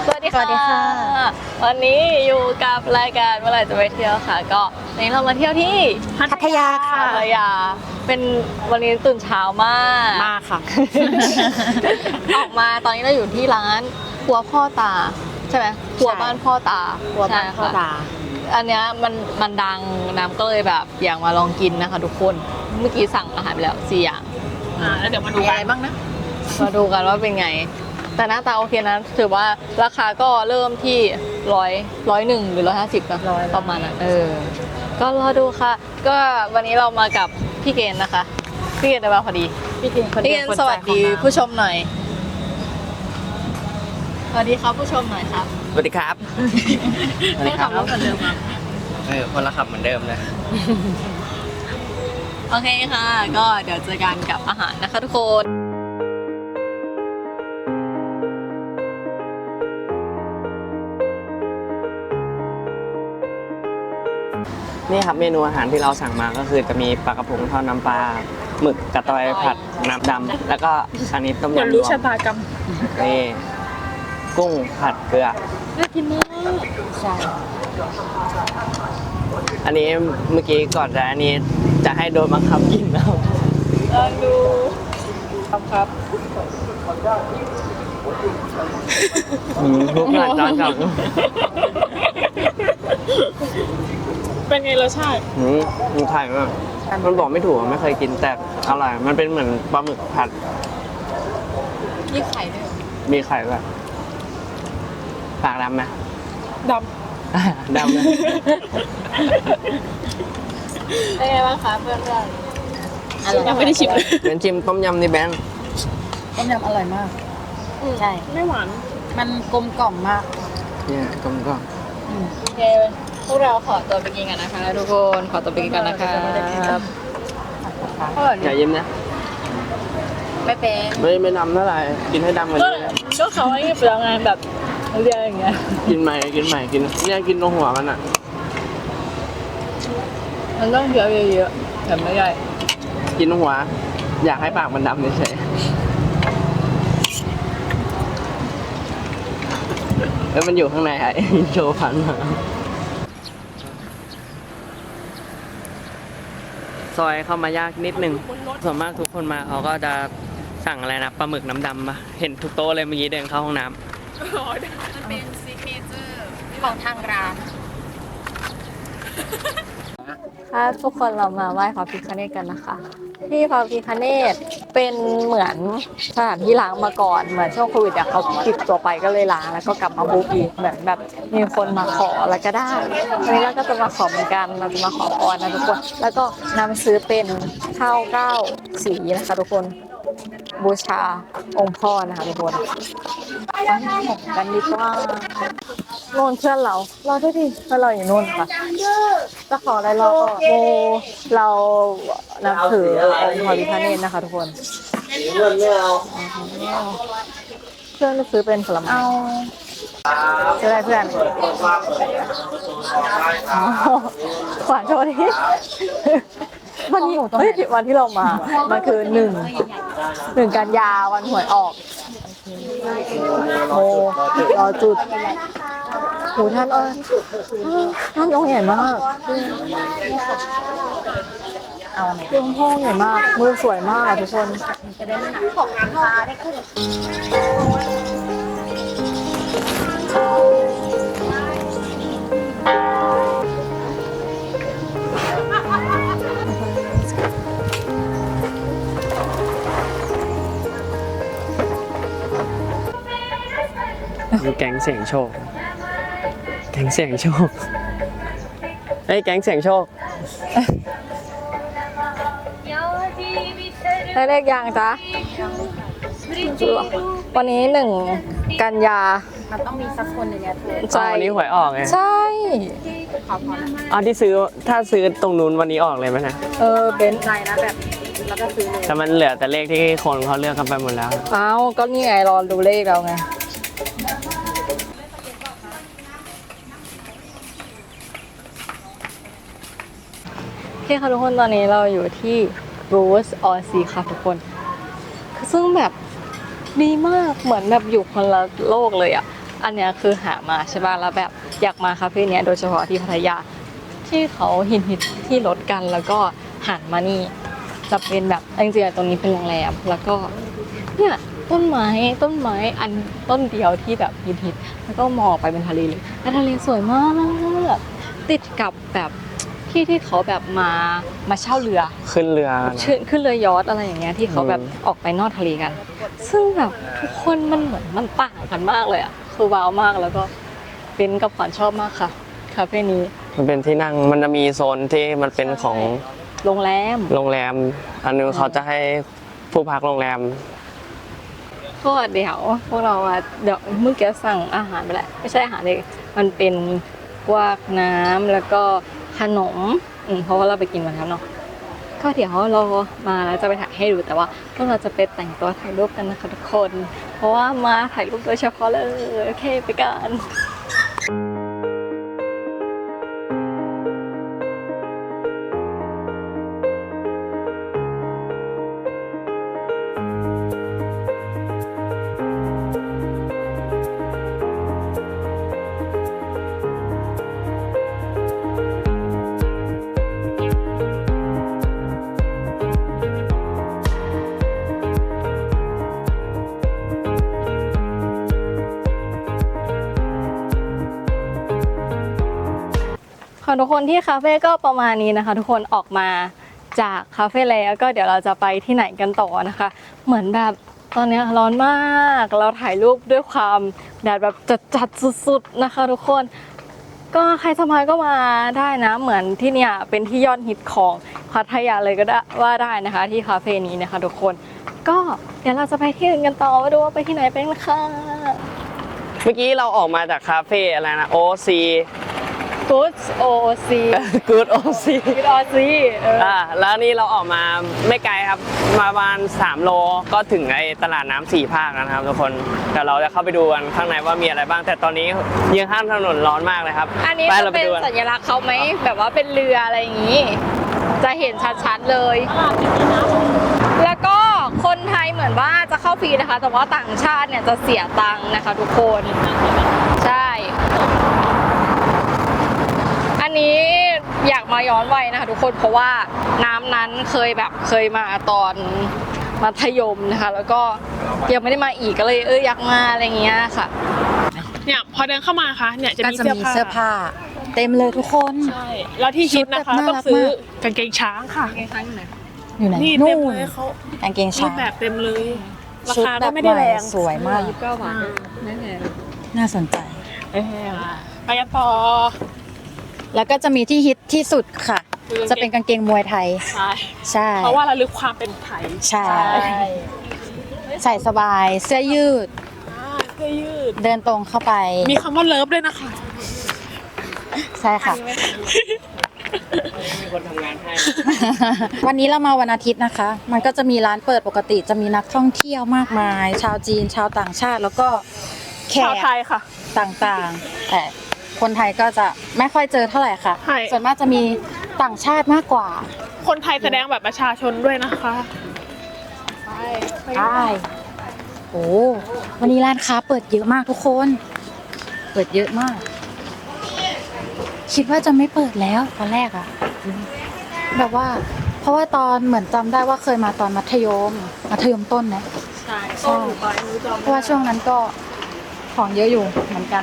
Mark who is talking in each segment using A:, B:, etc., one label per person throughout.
A: สวัสดีค่ะวันนี้อยู่กับรายการเมื่อไหร่จะไปเที่ยวค่ะก็วันนี้เรามาเที่ยวที่
B: พัทยาค่ะ
A: พัทยาเป็นวันนี้ตื่นเช้ามาก
B: มากค่ะ
A: ออกมาตอนนี้เราอยู่ที่ร้านครัวพ่อตาใช่ไหมครัวบ้านพ่อตา
B: ครัวบ้านพ่อตา
A: อันเนี้ยมันดังน้ำก็เลยแบบอยากมาลองกินนะคะทุกคนเมื่อกี้สั่งอาหารไปแล้ว4 อย่าง
B: แล้วเดี๋ยวมาดูอะไรบ้างนะ
A: มาดูกันว่าเป็นไงแต่หน้าตาโอเคนะถือว่าราคาก็เริ่มที่101หรือ150นะประมาณนั้นก็รอดูค่ะ ก็วันนี้เรามากับพี่เกณฑ์นะคะพี่เกณฑ์ได้มาพอดีพี่เกณฑ์สวัสดีผู้ชมหน่อยสวัสดีครับผู้ชมหน่อยครับ
C: สวัสดีครับ
A: ให้ขับรถเหมือนเดิมครับ
C: คนละขับเหมือนเดิมนะ
A: โอเคค่ะ ก็เดี๋ยวเจอกันกับอาหารนะคะทุกคน
C: นี่ครับเมนูอาหารที่เราสั่งมาก็คือจะมีปลากระพงทอดน้ำปลาหมึกกระตอยผัดน้ำดำแล้วก็อันนี้ต้มยำรวมนี่กุ้งผัดเกลือ
A: น่ากินมากใช่
C: อันนี้เมื่อกี้ก่อนจะอันนี้จะให้โดนบังคับกินแล้ว
A: ลองดูครับ
C: ทุกหน่อยจอนกับ
A: เป็นไงรสชาติ
C: มันไข่มากมันบอกไม่ถูกไม่เคยกินแต่อร่อยมันเป็นเหมือนปลาหมึกผัด
A: มีไข่ด้วย
C: มีไข่ด้วยปากดำไหม
A: ด
C: ดำเลย
A: ำเป็นไงบ้างคะเพื่อนๆยังไม่ได้ชิมเลย
C: เป็นชิมต้มยำนี่แบงค์
B: ต้มยำอร่อยมาก ใช่
A: ไม่หวาน
B: มันกลมกล่อมมาก
C: เนี่ยกลมกล่อม
A: โอเคพวกเราขอตัวไปกินกันนะคะทุกคนขอตัวไปกินกันนะคะ
C: อย่ายิ้มนะ
A: ไม่เป็น
C: ไม่ดำเท่าไหร่กินให้ดำกว่านี้นะ
A: ก็เขาให้เปลืองงานแบบเรียนอย่างเงี้ย
C: กินใหม่กินเนี่ยกินตรงหัวมันอ่ะ
A: มันต้องเคี้ยวเยอะๆแต่ไม่ใหญ่
C: กินตรงหัว อยากให้ปากมันดำเฉยๆแล้วมันอยู่ข้างในไอ้ โชว์พันมาซอยเข้ามายากนิดนึงส่วนมากทุกคนมาเขาก็จะสั่งอะไรนะปลาหมึกน้ำดำปะเห็นทุกโต๊ะเลยเมื่อกี้เดินเข้าห้องน้ำ
A: มันเป็นซิกเนเจอร์
B: ของทางร้าน
A: ถ้าทุกคนเรามาไหว้พระพิฆเนศกันนะคะที่พระพิฆเนศเป็นเหมือนสถานที่ล้างมาก่อนเหมือนช่วงโควิดเขาปิดตัวไปก็เลยล้างแล้วก็กลับมาบูมอีกเหมือนแบบมีคนมาขอแล้วก็ได้วันนี้เราก็จะมาขอเหมือนกันเราจะมาขอพรนะทุกคนแล้วก็นำซื้อเป็นข้าว9 สีนะคะทุกคนบูชาองค์พ่อนะคะทุกคนไปกันดีกว่าโน่นเพื่อนเราด้วยดิเพื่อนเราอยู่โน่นค่ะจะขออะไรเราก็โมเรานับถือองค์พระพิฆเนศนะคะทุกคนเพื่อนซื้อเป็นผลไม้ซื้ออะไรเพื่อนขวานโชว์ดิวันนี้เฮ้ยวันที่เรามามันคือ1 กันยาวันหวยออกโมรอจุดโหท่านองค์ใหญ่มากองค์พ่อใหญ่มากมือสวยมากทุกคนของน้ำปลาได้ขึ้น
C: ดูแก๊งเสียงโชคแก๊งเสียงโชคเฮ้ยแก๊งเสียงโชค
A: ได้เลขยังจ๊ะวันนี้1 กันยา
B: มันต้องมีสักคนหนึ่งเนี่ยเธอ
A: ใช่
C: วันนี้หวยออกไง
A: ใช่
B: ขอพร
C: อ๋อที่ซื้อถ้าซื้อตรงนู้นวันนี้ออกเลยไหมนะ
A: เบนซ์
B: ใจนะแบบแล้วก็ซื้อเลย
C: แต่มันเหลือแต่เลขที่คนเขาเลือกกันไปหมดแล้ว
A: เอ้าก็นี่ไงรอดูเลขเราไงโอเคค่ะทุกคนตอนนี้เราอยู่ที่ Rose or Sea ค่ะทุกคนซึ่งแบบดีมากเหมือนแบบอยู่คนละโลกเลยอ่ะอันเนี้ยคือหามาใช่ป่ะแล้วแบบอยากมาคาเฟ่เนี้ยโดยเฉพาะที่พัทยาที่เขาฮิตที่รถกันแล้วก็หันมานี่จะเป็นแบบจริงๆตรงนี้เป็นโรงแรมแล้วก็เนี่ยต้นไม้อันต้นเดียวที่แบบฮิตแล้วก็มองไปเป็นทะเลเลยแล้วทะเลสวยมากติดกับแบบที่เขาแบบมาเช่าเรือ
C: ขึ้นเรือนะ
A: ขึ้นเรือยอชต์อะไรอย่างเงี้ยที่เขาแบบออกไปนอกทะเลกัน ซึ่งแบบทุกคนมันเหมือนมันต่างกันมากเลยอ่ะคือว้าวมากแล้วก็เป็นกับขวัญชอบมากค่ะคาเฟ่นี้
C: มันเป็นที่นั่งมันจะมีโซนที่มันเป็นของ
A: โรงแรม
C: โรงแรม อันนึงเขาจะให้ผู้พักโรงแรม
A: ก็เดี๋ยวพวกเราอะเดี๋ยวเมื่อกี้สั่งอาหารไปแล้วไม่ใช่อาหารเลยมันเป็นพวกน้ำแล้วก็ขนมเพราะว่าเราไปกินมาแล้วเนาะก็เดี๋ยวเรามาแล้วจะไปถ่ายให้ดูแต่ว่าพวกเราจะไปแต่งตัวถ่ายรูปกันนะคะทุกคน เพราะว่ามาถ่ายรูปโดยเฉพาะเลยโอเคไปกัน ค่ะทุกคนที่คาเฟ่ก็ประมาณนี้นะคะ ทุกคนออกมาจากคาเฟ่แล้วก็เดี๋ยวเราจะไปที่ไหนกันต่อนะคะ เหมือนแบบตอนนี้ร้อนมากเราถ่ายรูปด้วยความแดดแบบจัดสุดๆนะคะ ทุกคนก็ใครสมัยก็มาได้นะเหมือนที่เนี่ยเป็นที่ยอดฮิตของพัทยาเลยก็ได้ว่าได้นะคะ ที่คาเฟ่นี้นะคะ ทุกคนก็เดี๋ยวเราจะไปที่อื่นกันต่อมาดูว่าไปที่ไหนเป็นค่ะ
C: เมื่อกี้เราออกมาจากคาเฟ่อะไรนะ OC
A: Good OC
C: Good OC
A: Good OC
C: แล้วนี่เราออกมาไม่ไกลครับมาประมาณ3 โลก็ถึงไอ้ตลาดน้ำ4 ภาคแล้วนะครับทุกคนเดี๋ยวเราจะเข้าไปดูกันข้างในว่ามีอะไรบ้างแต่ตอนนี้ยังข้ามถนนร้อนมากเลยครับ
A: อันนี้
C: ไป
A: จะ
C: เราไป
A: เป็น
C: ดูกัน
A: สัญลักษณ์เขาไหมแบบว่าเป็นเรืออะไรอย่างนี้ จะเห็นชัดๆเลย แล้วก็คนไทยเหมือนว่าจะเข้าฟรีนะคะ แต่ว่าต่างชาติเนี่ยจะเสียตังค์นะคะทุกคนใช่อันนี้อยากมาย้อนวัยนะคะทุกคนเพราะว่าน้ำนั้นเคยมาตอนมัธยมนะคะแล้วก็ยังไม่ได้มาอีกก็เลยอยากมาอะไรเงี้ยค่ะ
D: เนี่ยพอเดินเข้ามาค่ะเนี่ยจะ
B: ก็
D: มี
B: จะมีเสื้อผ้า เต็มเลยทุกคน
D: ใช่แล้วที่ฮิตนะคะ
B: ชุดแบบ
D: ต้องซื้อ
B: น่ารักมาก
D: กางเกงช้างค่ะ
B: อยู่ไหน
D: นี่เต็
B: นู่
D: ม
B: น
D: เลยเขา
B: กางเกง
D: รู
B: ช้า
D: ป
B: ง
D: แบบเต็มเลยรา
B: ชุด
D: คา
B: แบ
D: ก็
B: บ
D: ไม่
B: ให
D: ได้
B: ม่
D: แรง
B: สวยมาก
A: 29 บาทนั่นแหละ
B: น่าสนใจ
D: เออไปกันต่อ
B: แล้วก็จะมีที่ฮิตที่สุดค่ะ
D: คือกางเกง
B: จะเป็นกางเกงมวยไทย
D: ใช่
B: ใช่
D: เพราะว่าระลึกความเป็นไทย
B: ใช่ ใส่สบายเสื้อยืด
D: เสื้อยืด
B: เดินตรงเข้าไป
D: มีคำว่าเลิฟด้วยนะคะ
B: ใช่ค่ะ
C: มีคนทำงานให้
B: วันนี้เรามาวันอาทิตย์นะคะ มันก็จะมีร้านเปิดปกติ จะมีนักท่องเที่ยวมากมาย ชาวจีน ชาวต่างชาติ แล้วก็แข
D: ชาว
B: ก
D: ไทยค่ะ
B: ต่างๆ แต่คนไทยก็จะไม่ค่อยเจอเท่าไหร่ค่ะ
D: ใช่
B: ส่วนมากจะมีต่างชาติมากกว่า
D: คนไทยแสดงแบบประชาชนด้วยนะคะไป
B: ใช่โอ้วันนี้ร้านค้าเปิดเยอะมากทุกคน เปิดเยอะมาก คิดว่าจะไม่เปิดแล้วตอนแรกอะแบบว่า เพราะว่าตอนเหมือนจำได้ว่าเคยมาตอนมัธยมต้นนะ
A: ใช่
B: ใช่เพราะว่าช่วงนั้นก็ของเยอะอยู่เหมือนกัน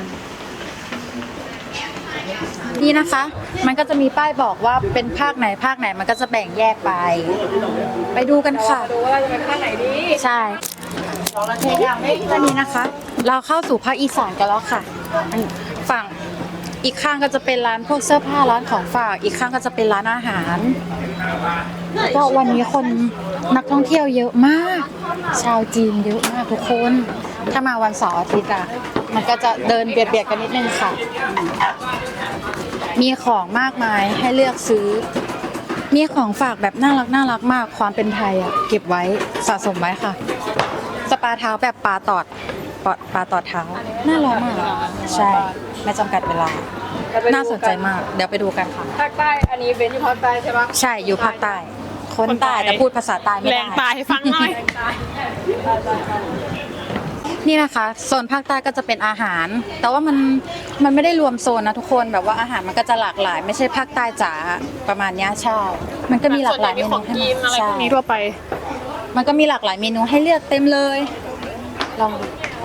B: นี่นะคะ มันก็จะมีป้ายบอกว่าเป็นภาคไหนมันก็จะแบ่งแยกไป ไปดูกันค่ะ
A: ดูว่าเราจะไปข้างไหนดี
B: ใช่ตอนนี้นะคะ เราเข้าสู่ภาคอีสานกันแล้วค่ะฝั่งอีกข้างก็จะเป็นร้านพวกเสื้อผ้าร้านของฝาก อีกข้างก็จะเป็นร้านอาหาร ก็วันนี้คนนักท่องเที่ยวเยอะมาก ชาวจีนเยอะมากทุกคน ถ้ามาวันเสาร์อาทิตย์อ่ะ มันก็จะเดินเบียดกันนิดนึงค่ะ มีของมากมายให้เลือกซื้อ มีของฝากแบบน่ารักมาก ความเป็นไทยอ่ะ เก็บไว้สะสมไว้ค่ะ สปาเท้าแบบปลาตอดเท้า น่ารักมาก ใช่ ไม่จำกัดเวลา น่าสนใจมาก เดี๋ยวไปดูกันค่ะ
A: ภาคใต้อันนี้เป็นที่ภาคใต้ใช่ปะ
B: ใช่ อยู่ภาคใต้ คนใต้แต่พูดภาษาใต้ไม่
D: แร
B: ได้
D: งตายให้ฟังหน่อย
B: นี่นะคะโซนภาคใต้ก็จะเป็นอาหาร แต่ว่ามันไม่ได้รวมโซนนะทุกคนแบบว่าอาหารมันก็จะหลากหลาย ไม่ใช่ภาคใต้จ๋าประมาณเนี้ยใช่มันก็มีหลากหลายเม
D: ข
B: นู
D: อง
B: ให้
D: กินอะไร
B: ใช่
D: พวกนี้ทั่วไป
B: มันก็มีหลากหลายเมนูให้เลือกเต็มเลยลองดู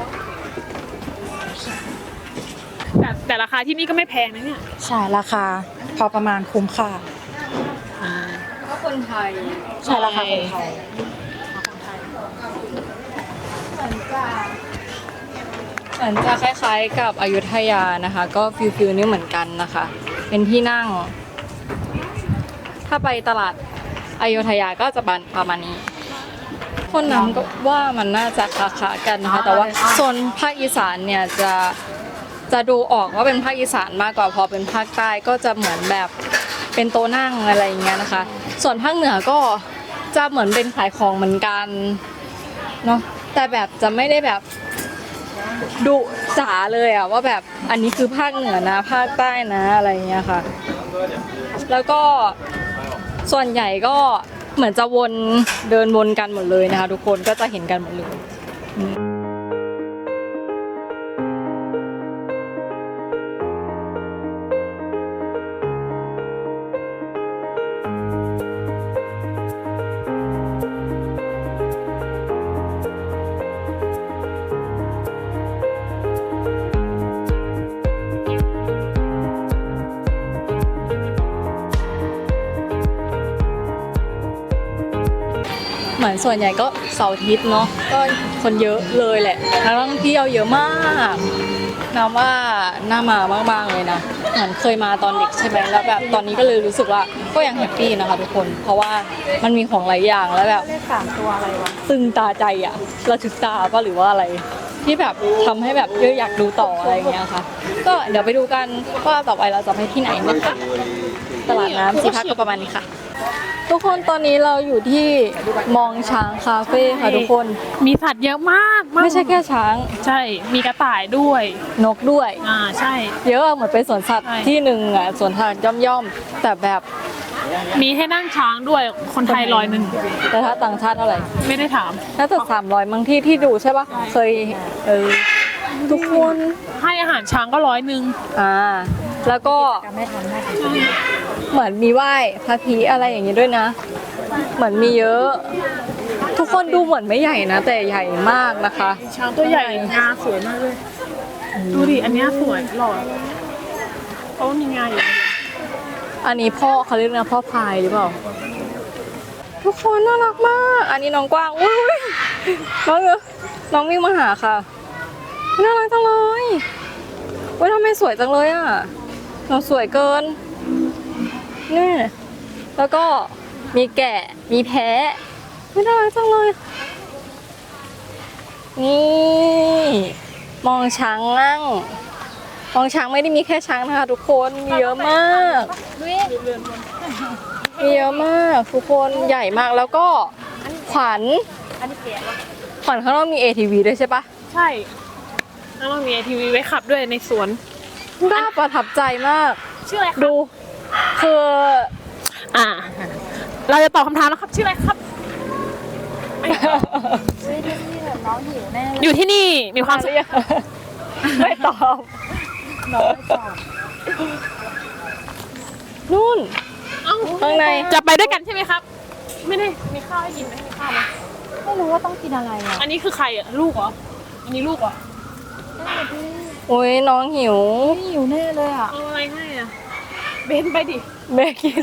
D: แต่ราคาที่นี่ก็ไม่แพงนะเนี่ย
B: ใช่ราคาพอประมาณคุ้มค่า
A: ก็คนไทย
B: ใช่ราคาคนไทย
A: เหมือนจะคล้ายๆกับอยุธยานะคะ ก็ฟิลนี่เหมือนกันนะคะ เป็นที่นั่ง ถ้าไปตลาดอยุธยาก็จะประมาณนี้ คนนั้นก็ว่ามันน่าจะคล้ายๆกันนะคะ แต่ว่าโซนภาคอีสานเนี่ยจะดูออกว่าเป็นภาคอีสานมากกว่าพอเป็นภาคใต้ก็จะเหมือนแบบเป็นโต๊ะนั่งอะไรอย่างเงี้ยนะคะ ส่วนภาคเหนือก็จะเหมือนเป็นขายของเหมือนกันเนาะแต่แบบจะไม่ได้แบบดุจ๋าเลยอะว่าแบบอันนี้คือภาคเหนือนะภาคใต้นะอะไรอย่างเงี้ยค่ะ แล้วก็ส่วนใหญ่ก็เหมือนจะเดินวนกันหมดเลยนะคะทุกคนก็จะเห็นกันหมดเลย เหมือนส่วนใหญ่ก็เสาร์อาทิตย์เนาะก็คนเยอะเลยแหละนักท่องเที่ยวเยอะมากน้ำว่าน่ามามากๆเลยนะเหมือนเคยมาตอนเด็กใช่ไหมแล้วแบบตอนนี้ก็เลยรู้สึกว่าก็ยังแฮปปี้นะคะทุกคนเพราะว่ามันมีของหลายอย่างแล้วแบบ
B: เลข3ตัวอะไรวะ
A: ตึงตาใจอะระทึกตาป่ะหรือว่าอะไร ที่แบบทำให้แบบอยากดูต่ออะไรอย่างเงี้ยค่ะ ก็เดี๋ยวไปดูกันว่าต่อไปเราจะไปที่ไหนนะคะตลาดน้ำสีพักก็ประมาณนี้ค่ะ ทุกคนตอนนี้เราอยู่ที่มองช้างคาเฟ่ค่ะทุกคน
D: มีสัตว์เยอะมาก
A: ไม่ใช่แค่ช้าง
D: ใช่ มีกระต่ายด้วย
A: นกด้วย
D: ใช่
A: เยอะเหมือนเป็นสวนสัตว์
D: ใช่
A: ที่หนึ่งอ่ะสวนสัตว์ย่อมๆแต่แบบ
D: มีให้นั่งช้างด้วย คนไทย100
A: แต่ถ้าต่างชาติเท่าไหร่
D: ไม่ได้ถาม
A: น่าจะ300บางที่ดูใช่ปะเคยทุกคน
D: ให้อาหารช้างก็100
A: แล้วก็
B: ไม่ทันได้
A: เหมือนมีไหว้พระพีอะไรอย่างนี้ด้วยนะ เหมือนมีเยอะ ทุกคนดูเหมือนไม่ใหญ่นะ แต่ใหญ่มากนะคะ
D: ช้างตัวใหญ่งาสวยมากเลย ดูดิ อันเนี้ยสวยหล่อเขามีงาอยู่
A: อันนี้พ่อเขาเรียกนะพ่อพายหรือเปล่า ทุกคนน่ารักมาก อันนี้น้องกว้างอุ้ยน้องวิ่งมาหาค่ะน่ารักจังเลยเว้ยทำไมสวยจังเลยอ่ะน้องสวยเกินนี่แล้วก็มีแกะมีแพะไม่น่ารักจังเลยนี่มองช้างนั่งมองช้างไม่ได้มีแค่ช้างนะคะทุกคนมีเยอะมากมีเยอะมากทุกคนใหญ่มากแล้วก็ขวัญข้างนอกมี ATV ด้วยใช่ปะ
D: ใช่ แล้วเรามี ATV ไว้ขับด้วยในสวน
A: น่าประทับใจมาก
D: ชื่ออะไร
A: ดูคือ
D: เราจะตอบคำถามแล้วครับ ชื่ออะไรครับ อยู่ที่นี่มีความสุข
A: ไม่ตอบนู่น
D: เอ้า
A: ข้างใน
D: จะไปด้วยกันใช่ไหมครับ ไม่ได้มีข้าวให้กินไหมมีข้าวไหม
B: ไม่รู้ว่าต้องกินอะไรอ่ะ
D: อันนี้คือใครอ่ะ ลูกเหรอ อันนี้ลูกเหรอ
A: โอ้ยน้องหิว
B: หิวแน่เลยอ่ะ
D: เอาอะไรให้อ่ะ เบนไปดิ
A: แม่กิน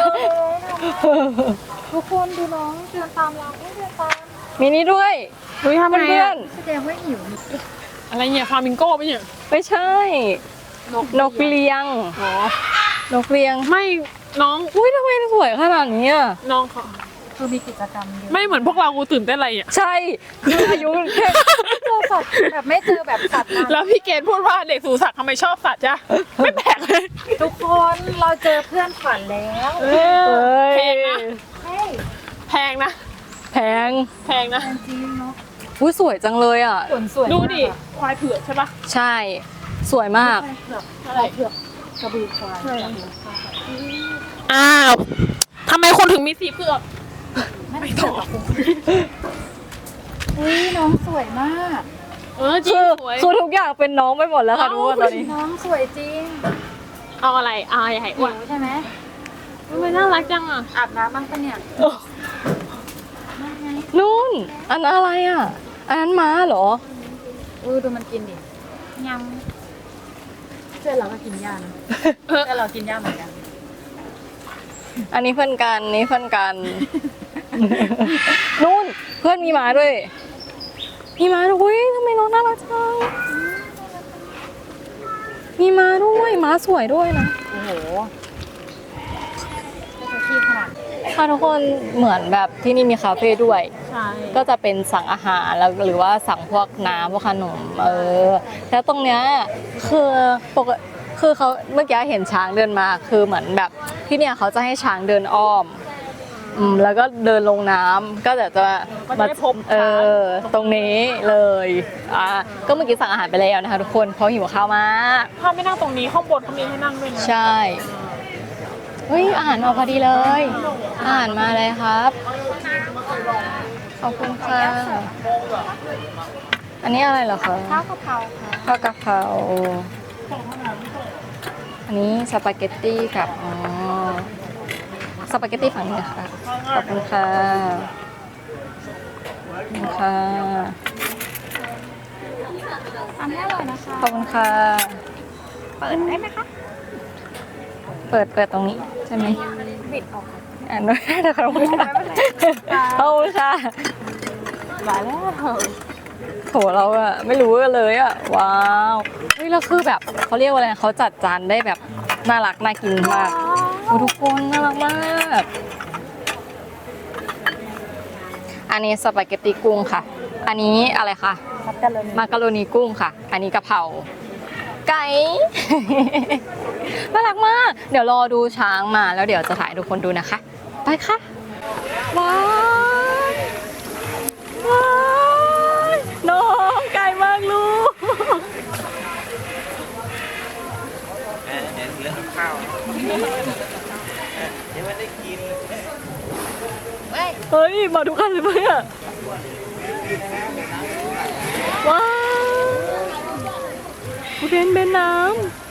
B: ทุกคนดูน้องเดินตามเราเดินตาม
A: มีนี่ด้วย
D: ดูทำไง
A: เพื่อ
D: อ่ะ
A: น
B: แสดงว่าหิว
D: อะไรเนี่ยฟามิงโก้ปะเนี่ย
A: ๆไม่ใช่ นกเลี้ยง
D: อ๋อ
A: นกเลี้ยง
D: ไม่น้อง
A: อุ้ยทำไมสวยขนาดนี้อ่ะ
D: น้องเขา
B: คือมีกิจกรรมเยอะ
D: ไม่เหมือนพวกเรากูตื่นเต้นอะไรอ่ะ
A: ใช่คืออายุแค่
B: เจอสัตว์แบบไม่เจอแบบสัตว์นาน
D: แล้วพี่เกณฑ์พูดว่าเด็กสู่สัตว์ทำไมชอบสัตว์จ้ะ ไม่แปลกเลย
B: ทุกคนเราเจอเพื่อนขวัญแล้ว
A: เอ้ย
D: แพงนะ
B: เฮ้ย
D: แพงนะ
A: แพง
D: แพงนะ
B: จริงเนาะ
A: อุ้ยสวยจังเลยอ่ะ
B: สวนสวย
D: ดู
B: มาก
D: ดิ
B: อะ
D: ควายเผือกใช่ปะ
A: ใช่ สวยมาก
D: อะไร
B: กระบือควาย
D: อ้าวทำไมคนถึงมีสีเผือก
B: ไม่ตอบอุ้ยน้องสวยมาก
D: จริ
A: คื
D: ง
A: อ
D: สวย
A: คือทุกอย่างเป็นน้องไปหมดแล้วค่ะทุกคนตอนนี้
B: น้องสวยจริง
D: เอาอะไรเอาใหญ่อ้วน
B: ใช่ไหม
D: มันน่ารักจังอ่ะ
B: อาบน้ำบ้างปะเนี่ย
A: นู่นอันนั้นอะไรอ่ะอันนั้นม้าเหรอ
B: ดูมันกินดิยำเพื่อนเราก็กินยานะเพื่อนเรากินยาเหมือนกัน
A: อันนี้เพื่อนกันนี่เพื่อนกัน นู่นเพื่อนมีม้าด้วย มีม้าด้วยอุ๊ยทำไมน้องน่ารักจังมีม้าด้วยม้าสวยด้วยนะ
B: โอ้โหจะขี้ขนาด
A: ค่ะทุกคนเหมือนแบบที่นี่มีคาเฟ่ด้วย
D: ใช่
A: ก็จะเป็นสั่งอาหารแล้วหรือว่าสั่งพวกน้ำพวกขนมแล้วตรงเนี้ยคือปกคือเขาเมื่อกี้เห็นช้างเดินมาคือเหมือนแบบที่เนี่ยเขาจะให้ช้างเดินอ้อมแล้วก็เดินลงน้ำก็เดี๋ยวจะ
D: ก็จะได้พบ
A: ตรงนี้เลยก็เมื่อกี้สั่งอาหารไปแล้วนะคะทุกคนเพราะหิวข้าวมาก
D: ถ้าไม่นั่งตรงนี้ข้างบนเขามีให้นั่งด้วยนะ
A: ใช่เฮ้ยอาหารมาพอดีเลยอาหารมาเลยครับขอบคุณค่ะอันนี้อะไรเหรอคะ
B: ข้าวกะเพราค่ะ
A: ข้าวกะเพราอันนี้สปาเกตตี้กับสปาเกตตี้ฝั่งนี้นะคะขอบคุณค่ะขอบคุณค่ะ
B: อันนี้อร่อยนะคะ
A: ขอบคุณค่ะ
B: เปิดได้ไหมคะ
A: เปิดตรงนี้ใช่ไหม
B: บิดออก
A: อ่านด้วยนะคะขอบคุณค่ะขอบคุณค่ะ
B: มาแล้ว
A: โถเราอะไม่รู้กันเลยอะว้าวเฮ้ยแล้วคือแบบเขาเรียกว่าอะไรนะเขาจัดจานได้แบบน่ารักน่ากินมากโอ้ทุกคนน่ารักมากอันนี้สปาเกตตีกุ้งค่ะ อันนี้อะไรคะ มาการโรนีกุ้งค่ะ อันนี้กะเพราไก่ น่ารักมาก เดี๋ยวรอดูช้างมาแล้วเดี๋ยวจะถ่ายให้ทุกคนดูนะคะ ไปค่ะ ว้าวว้าวน้องไก่มากลูกเฮ้ย มาทุกคันเลยไหมอะว้าวอุเทนเป็นน้ำ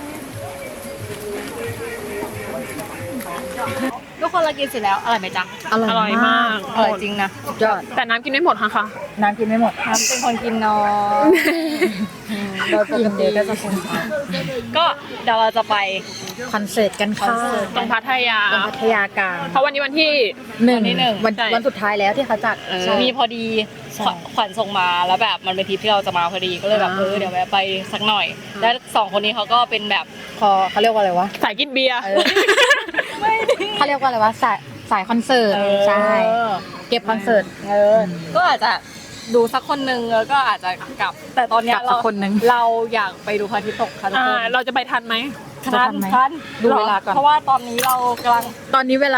A: ทุกคนเรากินเสร็จแล้วอร่อยไหมจ๊ะ
D: อร่อยมาก
A: อร่อยจริงนะสุดยอด
D: แต่น้ำกินไม่หมดค่ะ
B: น้ำกินไม่หมด
A: น้ำเป็นคนกินน้อยโดยปกติก็จะคนก็เดี๋ยวเราจะไป
B: คอนเสิร์ตกันค่ะ
D: ตรงพัทยา
B: ตรงพัทยากลาง
D: เพราะวันนี้วันที่
A: วันที่หนึ่ง
B: วัน
D: ใช่
B: วันสุดท้ายแล้วที่เขาจัด
A: มีพอดี
B: ใช่
A: ขวัญส่งมาแล้วแบบมันเป็นทริปที่เราจะมาพอดีก็เลยแบบเดี๋ยวแวะไปสักหน่อย แล้วสองคนนี้เขาก็เป็นแบบ
B: เขาเรียกว่าอะไรวะ
D: สายกินเบียร์
B: เขาเรียกว่าอะไรวะสายคอนเสิร์ตใช่เก็บคอนเสิร์ต
A: ก็อาจจะดูสักคนหนึ่งแล้วก็อาจจะกลับ แต่ตอนเนี้ย
B: กลับสักคนหนึ่ง
A: เราอยากไปดูพระอาทิตย์ตกค่ะทุกคน
D: เราจะไปทันไหม
B: ทันไหมดูเวลาก่อน
A: เพราะว่าตอนนี้เรากำลัง
B: ตอนนี้เวลา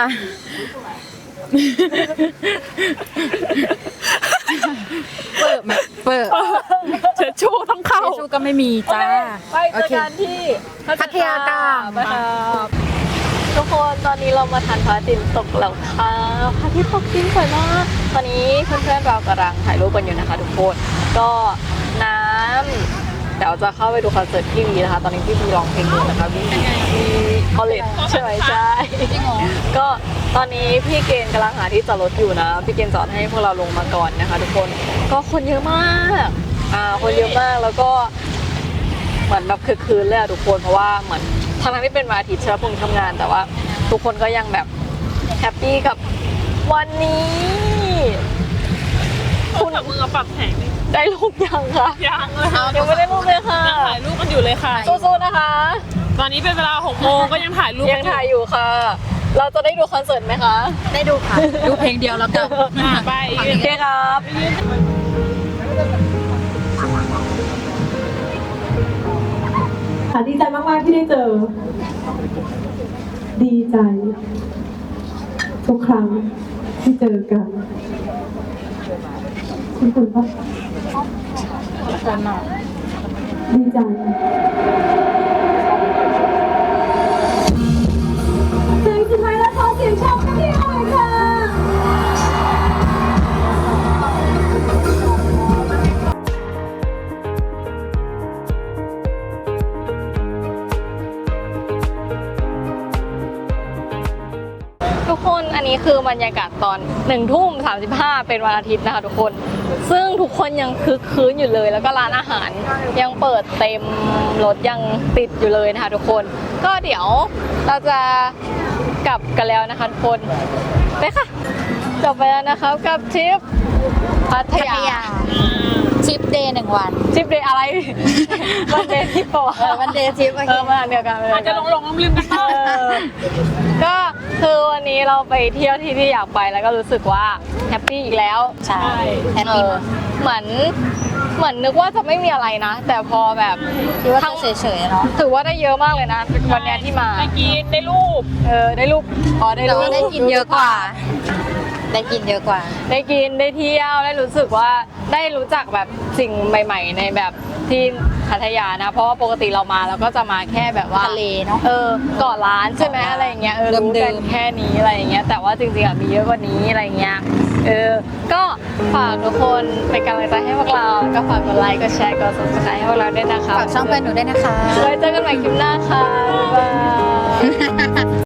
B: เปิดไหมเปิด
D: เชิญชูต้องเข้า
B: เฟซบุ๊กก็ไม่มีจ้า
A: ไปเจอกันที่
B: พัทยากลาง
A: ไปครับทุกคนตอนนี้เรามาทานพระอาทิตย์ตกแล้วค่ะพระอาทิตย์ตกจริงสวยมากตอนนี้เพื่อนๆเรากำลังถ่ายรูปกันอยู่นะคะทุกคนก็น้ำเดี๋ยวจะเข้าไปดูคอนเสิร์ตพี่วีนะคะตอนนี้พี่วีร้องเพลงอยู่นะคะพี่คอลเลจใช่ไหมใช่ก็ตอนนี้พี่เกณฑ์กำลังหาที่จอดรถอยู่นะพี่เกณฑ์จอดให้พวกเราลงมาก่อนนะคะทุกคนก็คนเยอะมากคนเยอะมากแล้วก็เหมือนแบบคือคืนเลยอะทุกคนเพราะว่าเหมือนทั้งที่เป็นวันอาทิตย์ใช่ไหมพรุ่งนี้ทำงานแต่ว่าทุกคนก็ยังแบบแฮปปี้กับวันนี้
D: คุณกับมือปรับแผงนี่
A: ได้รูปยังคะ
D: ยังเลยค่ะ
A: ยังไม่ได้รูปเลยค่ะ
D: ยังถ่ายรูปกันอยู่เลยค่ะ
A: สู้ๆนะคะ
D: ตอนนี้เป็นเวลา6 โมงก็ยังถ่ายรูป
A: ยังถ่ายอยู่ค่ะ เราจะได้ดูคอนเสิร์ตไหมคะ
B: ได้ดูค่ะ ดูเพลงเดียวแล้วกัน
D: ไป
A: โอเคครับ
E: ค่ะดีใจมากๆที่ได้เจอ ดีใจ ทุกครั้งที่เจอกัน คุณปะดีใจเพลงสุดท้ายแล้วขอเสียงชมให้หน่อยค่ะ
A: อันนี้คือบรรยากาศตอน1:35เป็นวันอาทิตย์นะคะทุกคนซึ่งทุกคนยังคึกคืนอยู่เลยแล้วก็ร้านอาหารยังเปิดเต็มรถยังติดอยู่เลยนะคะทุกคนก็เดี๋ยวเราจะกลับกันแล้วนะคะทุกคนไปค่ะจบไปแล้วนะครับกับทริปพัทยา
B: ทริปเดย์1 วัน
A: ทริปเดย์อะไร วันเดย์ทริปปะวะ
B: วันเดย์ทริป
A: มาเดียวกัน
D: อาจจะลงลืมๆกันบ้าง
A: ก็คือวันนี้เราไปเที่ยวที่อยากไปแล้วก็รู้สึกว่าแฮปปี้อีกแล้ว
B: ใช่แฮปปี้มาก
A: เหมือนนึกว่าจะไม่มีอะไรนะ แต่พอแบบ
B: คิดว่าจะเฉยๆเนาะ
A: ถือว่าได้เยอะมากเลยนะวันเนี้ยที่มา
D: ไปกินได้รูป
A: ได้รูปได้
B: แต่
A: รูป
B: ว่าได้กินเยอะกว่า ได้กินเยอะกว่า
A: ได้กินได้เที่ยวได้รู้สึกว่าได้รู้จักแบบสิ่งใหม่ ๆ ในแบบที่พัทยานะเพราะว่าปกติเรามาเราก็จะมาแค่แบบว่า
B: ทะเลเนอะ
A: เกาะล้านใช่ไหมอะไรอย่างเงี้ยรู้
B: เดิ
A: กัน
B: มๆ
A: แค่นี้อะไรอย่างเงี้ยแต่ว่าจริงๆมีเยอะกว่านี้อะไรเงี้ยก็ฝากทุกคนเป็นกำลังใจให้พวกเราแล้วก็ฝากกดไลค์กดแชร์กด subscribe ให้พวกเราด้วยนะคะ
B: ฝากช่องเพื่อนหนูด้วยนะคะ
A: ไว้เจอกันใหม่คลิปหน้าค่ะบ๊ายบาย